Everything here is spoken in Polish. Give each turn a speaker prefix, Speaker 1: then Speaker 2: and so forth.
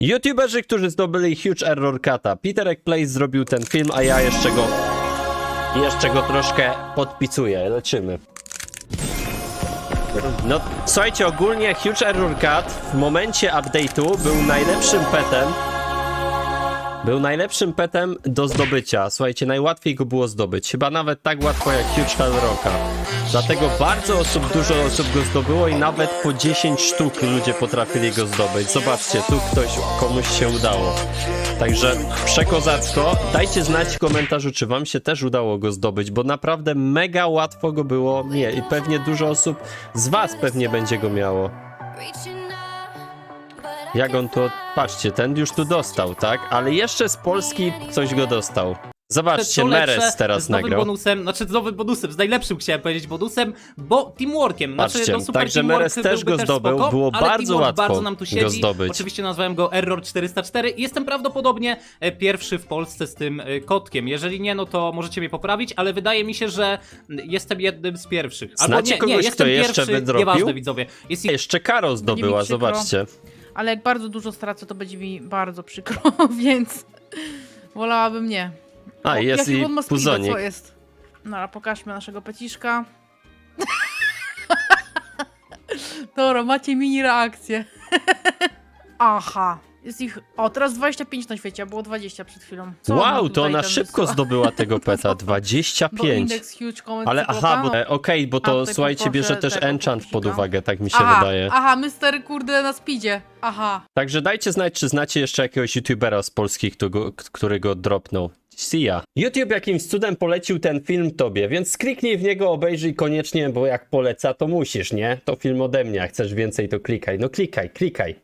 Speaker 1: YouTuberzy, którzy zdobyli Huge Error Cata. Peterek Place zrobił ten film, a ja jeszcze go troszkę podpisuję. Lecimy. No, słuchajcie, ogólnie Huge Error Cat w momencie update'u był najlepszym petem do zdobycia. Słuchajcie, najłatwiej go było zdobyć. Chyba nawet tak łatwo jak Huge Hellrocka. Dlatego dużo osób go zdobyło i nawet po 10 sztuk ludzie potrafili go zdobyć. Zobaczcie, tu komuś się udało. Także przekozacko. Dajcie znać w komentarzu, czy wam się też udało go zdobyć, bo naprawdę mega łatwo go było. Nie, i pewnie dużo osób z was pewnie będzie go miało. Jak on to... Patrzcie, ten już tu dostał, tak? Ale jeszcze z Polski ktoś go dostał. Zobaczcie, Meres teraz
Speaker 2: z nowym
Speaker 1: nagrał.
Speaker 2: bonusem, z nowym bonusem, z najlepszym chciałem powiedzieć bonusem, bo teamworkiem.
Speaker 1: Patrzcie,
Speaker 2: no super
Speaker 1: także
Speaker 2: teamwork
Speaker 1: Meres też
Speaker 2: byłby
Speaker 1: go zdobył,
Speaker 2: spoko,
Speaker 1: było
Speaker 2: ale
Speaker 1: bardzo
Speaker 2: teamwork
Speaker 1: łatwo
Speaker 2: bardzo nam tu siedzi.
Speaker 1: go zdobyć.
Speaker 2: Oczywiście nazwałem go Error 404 i jestem prawdopodobnie pierwszy w Polsce z tym kotkiem. Jeżeli nie, no to możecie mnie poprawić, ale wydaje mi się, że jestem jednym z pierwszych. Albo
Speaker 1: Znacie kogoś,
Speaker 2: jestem
Speaker 1: kto jeszcze
Speaker 2: pierwszy,
Speaker 1: wydrobił?
Speaker 2: nieważne widzowie. Jest
Speaker 1: Jeszcze Karo zdobyła,
Speaker 3: mi przykro.
Speaker 1: zobaczcie.
Speaker 3: Ale jak bardzo dużo stracę, to będzie mi bardzo przykro, więc wolałabym nie.
Speaker 1: A, jest
Speaker 3: jaki
Speaker 1: i
Speaker 3: on ma speeda,
Speaker 1: Puzonik.
Speaker 3: co jest? No, a pokażmy naszego peciszka. Dobra, macie mini reakcję. Aha. Jest ich... O, teraz 25 na świecie, a było 20 przed chwilą. Co
Speaker 1: Wow, to
Speaker 3: tutaj
Speaker 1: ona
Speaker 3: tam
Speaker 1: szybko
Speaker 3: wysłała?
Speaker 1: zdobyła tego peta,
Speaker 3: Bo
Speaker 1: 25.
Speaker 3: indeks huge comment
Speaker 1: Ale aha, bo okej, bo
Speaker 3: A,
Speaker 1: to
Speaker 3: tutaj
Speaker 1: słuchajcie,
Speaker 3: poproszę
Speaker 1: bierze też
Speaker 3: tego
Speaker 1: enchant pod
Speaker 3: pecika.
Speaker 1: uwagę, tak mi się
Speaker 3: Aha,
Speaker 1: wydaje.
Speaker 3: aha, Mr. kurde na speedzie. Aha.
Speaker 1: Także dajcie znać, czy znacie jeszcze jakiegoś youtubera z polskich, który go dropnął. See ya. YouTube jakimś cudem polecił ten film tobie, więc kliknij w niego, obejrzyj koniecznie, bo jak poleca, to musisz, nie? To film ode mnie, jak chcesz więcej, to klikaj. No klikaj.